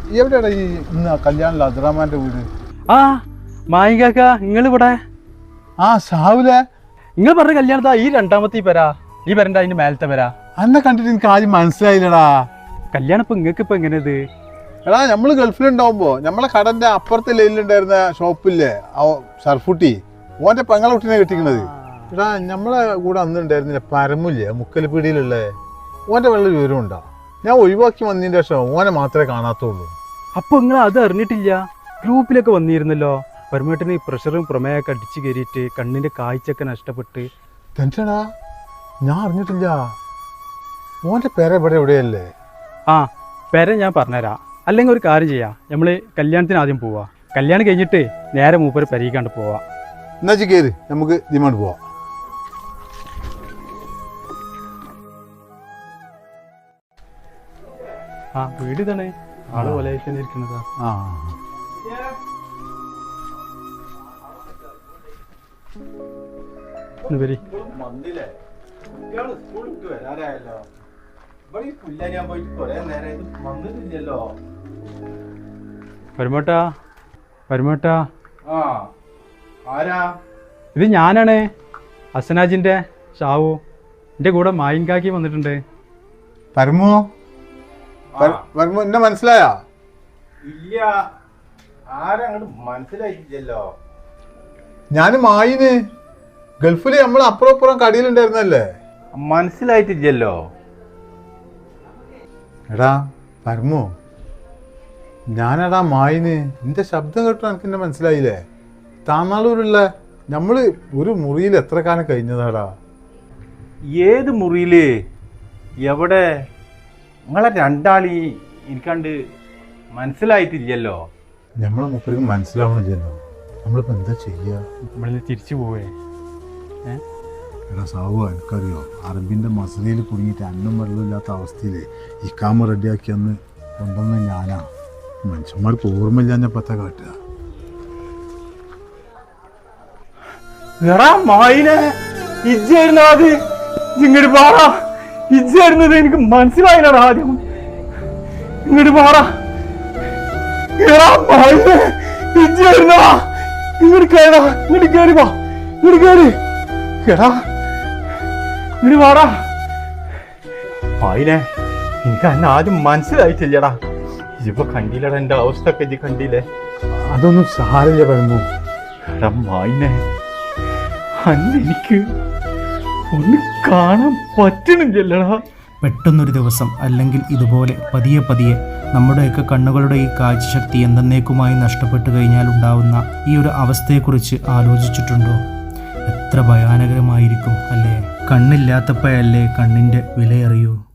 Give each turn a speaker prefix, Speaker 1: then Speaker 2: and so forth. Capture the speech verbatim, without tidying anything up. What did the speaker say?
Speaker 1: എവിടെയാണ് ഈ ഇന്ന് കല്യാണില്ല അബ്ദുറഹ്മാന്റെ വീട്?
Speaker 2: ആ മായികാക്ക നിങ്ങൾ ഇവിടെ?
Speaker 1: ആ ഷാവുലെ
Speaker 2: നിങ്ങൾ പറഞ്ഞ കല്യാണത്താ ഈ രണ്ടാമത്തെ പേരാ, ഈ പേരൻ്റെ അതിന്റെ മേലത്തെ പേരാ.
Speaker 1: അന്നെ കണ്ടിട്ട് എനിക്ക് ആദ്യം മനസ്സിലായില്ലടാ.
Speaker 2: കല്യാണം ഇപ്പൊ നിങ്ങൾക്ക് ഇപ്പൊ എങ്ങനെയത്?
Speaker 1: എടാ നമ്മള് ഗൾഫിലുണ്ടാവുമ്പോ നമ്മളെ കടന്റെ അപ്പുറത്തെ ലൈനിലുണ്ടായിരുന്ന ഷോപ്പില്ലേ സർഫുട്ടി, ഓന്റെ പെങ്ങളെ കുട്ടീനെ കെട്ടിക്കണത്. എടാ നമ്മളെ കൂടെ അന്ന് ഉണ്ടായിരുന്നില്ല പരമില്ലേ മുക്കൽപീടിയിലുള്ള, ഓന്റെ വെള്ള വിവരമുണ്ടോ? ഞാൻ ഒഴിവാക്കി വന്നതിന്റെ ശേഷം ഓനെ മാത്രമേ കാണാത്തുള്ളൂ.
Speaker 2: അപ്പൊ നിങ്ങൾ അത് അറിഞ്ഞിട്ടില്ല? ഗ്രൂപ്പിലൊക്കെ വന്നിരുന്നല്ലോ, പരമേട്ടന് പ്രഷറും പ്രമേയൊക്കെ അടിച്ചു കയറിയിട്ട് കണ്ണിന്റെ കാഴ്ചയൊക്കെ നഷ്ടപ്പെട്ട്.
Speaker 1: ടെൻഷനാ? ഞാൻ അറിഞ്ഞിട്ടില്ല. ഓന്റെ പേര ഇവിടെ എവിടെയല്ലേ?
Speaker 2: ആ പേര ഞാൻ പറഞ്ഞുതരാം. അല്ലെങ്കിൽ ഒരു കാര്യം ചെയ്യാം, നമ്മള് കല്യാണത്തിന് ആദ്യം പോവാ, കല്യാണം കഴിഞ്ഞിട്ട് നേരെ മൂപ്പര് പെരീക്കാണ്ട് പോവാ.
Speaker 1: എന്നാ കേറ്, നമുക്ക് ഡിമാൻഡ് പോവാം.
Speaker 2: ആ വീട് തന്നെ ആള് പോലെ ഇരിക്കുന്നതാ.
Speaker 1: ആ
Speaker 2: വരി പരമേട്ടാ, പരമേട്ടാ ഇത് ഞാനാണ് ഹസനാജിന്റെ ഷാവു. എന്റെ കൂടെ മായിൻകാക്കി വന്നിട്ടുണ്ട്.
Speaker 1: പരമോ പരമോ എന്നെ മനസ്സിലായാ?
Speaker 3: ഇല്ല, ആരങ്ങോട്ട് മനസ്സിലായില്ലല്ലോ.
Speaker 1: ഞാന് മായിന് ഗൾഫില് നമ്മൾ അപ്പുറം അപ്പുറം കടയിലുണ്ടായിരുന്നല്ലേ.
Speaker 3: മനസ്സിലായിട്ടില്ലല്ലോ.
Speaker 1: എടാ പരമോ, ഞാനെടാ മായിന്. നിന്റെ ശബ്ദം കേട്ടോ എനിക്ക് എന്നെ മനസ്സിലായില്ലേ? താന്നാളൂരുള്ള നമ്മള് ഒരു മുറിയിൽ എത്ര കാലം കഴിഞ്ഞതാടാ.
Speaker 3: ഏത് മുറിയില്? എവിടെ? നിങ്ങളെ രണ്ടാളി എനിക്കണ്ട് മനസ്സിലായിട്ടില്ലല്ലോ.
Speaker 1: നമ്മളെ മുപ്പർക്ക് മനസ്സിലാവണില്ലല്ലോ. നമ്മളിപ്പോ എന്താ ചെയ്യാ?
Speaker 2: നമ്മളിന്ന് തിരിച്ചു പോവേ.
Speaker 1: എടാ സാവു, എനിക്കറിയോ അറബിന്റെ മസലയിൽ കുടുങ്ങിയിട്ട് അന്നം വെള്ളമില്ലാത്ത അവസ്ഥയിൽ ഇക്കാമ റെഡിയാക്കി അന്ന് കൊണ്ടുവന്ന ഞാനാ. മനുഷ്യന്മാർക്ക് ഓർമ്മയില്ലാഞ്ഞപ്പത്തെ കാട്ടുക.
Speaker 2: ഇജ്ജായിരുന്നു അത്, ഇങ്ങോട്ട് പാടാ. ഇജ്ജായിരുന്നത് എനിക്ക് മനസ്സിലായില്ലടാ ആദ്യം. ഇങ്ങോട്ട് പാടാ. ഇജ്ജായിരുന്നോ? ഇങ്ങോട്ട് കയറാ, ഇങ്ങോട്ട് കയറി പോ, ഇങ്ങോട്ട് കയറി കേടാ, ഇങ്ങോട്ട് പാടാ.
Speaker 3: ആയിനെ എനിക്ക് അന്നെ ആദ്യം മനസ്സിലായിട്ടില്ലടാ. ഇപ്പൊ കണ്ടില്ലടാ എന്റെ അവസ്ഥ ഒക്കെ ഇജ്ജ് കണ്ടില്ലേ?
Speaker 1: അതൊന്നും സാരില്ല പരമു.
Speaker 3: എടാ മായിനെ, അന്ന് എനിക്ക് ഒന്ന് കാണാൻ പറ്റണില്ലല്ലടാ.
Speaker 4: പെട്ടെന്നൊരു ദിവസം അല്ലെങ്കിൽ ഇതുപോലെ പതിയെ പതിയെ നമ്മുടെയൊക്കെ കണ്ണുകളുടെ ഈ കാഴ്ചശക്തി എന്തെന്നേക്കുമായി നഷ്ടപ്പെട്ടു കഴിഞ്ഞാൽ ഉണ്ടാവുന്ന ഈ ഒരു അവസ്ഥയെക്കുറിച്ച് ആലോചിച്ചിട്ടുണ്ടോ? എത്ര ഭയാനകരമായിരിക്കും അല്ലേ? കണ്ണില്ലാത്തപ്പോഴല്ലേ കണ്ണിൻ്റെ വിലയറിയൂ.